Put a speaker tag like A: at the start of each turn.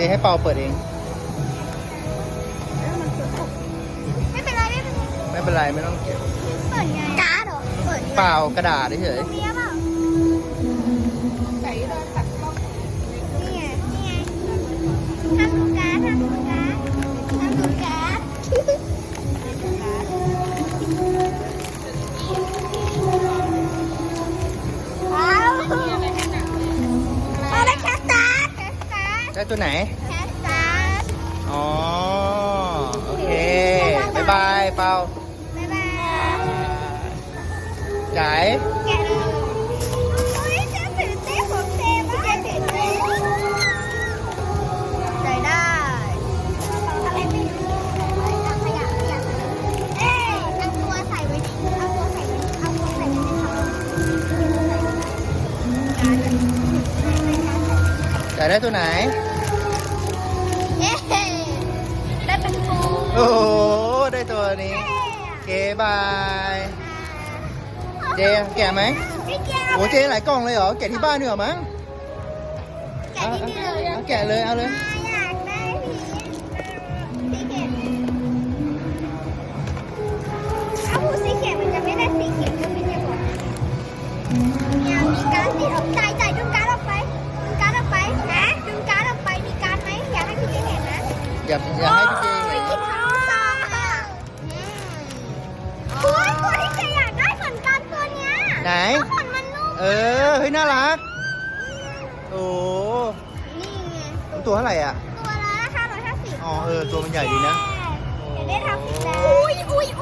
A: ให้เปาเปิดเอง
B: ไม่เป็นไรไม่เป็นไร
A: ไม่เป็นไรไม่ต้องเก็บ
B: เปิดไงการ์ดเหรอเปิด
A: เปล่ากระดาษเฉย
B: ตรงนี้เปล่านี่ไงนี่ไงทำดูการ์ดทำดูการ์ดทำดูการ์ดเอาเอาเลยแคสตัสแคสตัส
A: ได้ตัวไหน
B: แคสตัส
A: อ๋อ โอเค บ๊ายบายเปา
B: บ๊ายบาย
A: จ่าย
B: แกะเลยโอ้ยเจ๊ตื่นเต้นผมเต้นมากเจ๊ตื่นเต้นใจได้อะไรไม่รู้เอาขยะเอ๊ะเอาตัวใส่ไว้ดิเอาตัวใส่ไว้เอาตัวใส่ไว้ในถัง
A: จ่ายได้ตัวไหน
B: เย้ได้เป็นฟู
A: โอ้โห ได้ตัวนี้โอเคบาย เจแกะไหม
B: ไม่แกะ
A: โอ้เจหลายกล่องเลยเหรอ แกะที่บ้านดีกว่ามั้ง
B: แกะนิดเดียว
A: เอาแกะเลย เอาเลย
B: อยากได้สีเขียวเอาหูสีเขียวมันจะไม่ได้สีเขียวก็ไม่ได้บอกเนี่ยมีการ์ดติดออกจ่ายดึงการ์ดออกไปดึงการ์ดออกไปนะดึงการ์ดออกไปมีการ์ดไหมอยากให้พี่เจเห็นนะ
A: อย่าให้พี่เจเห็น
B: คิดทั้งซองอ่ะโอ้ยตัวที่เจอยากได้เหมือนกันตัวเนี้ย
A: ไหน
B: ขนมันนุ่ม
A: เออ เฮ้ย น่ารัก โอ้
B: นี่ไง
A: ตัวเท่าไหร่อ่ะ
B: ตัวละ550
A: อ๋อ เออ ตัวมันใหญ่ดีนะ
B: เดี๋ยวได้ทำอีกแล้วอุ้ย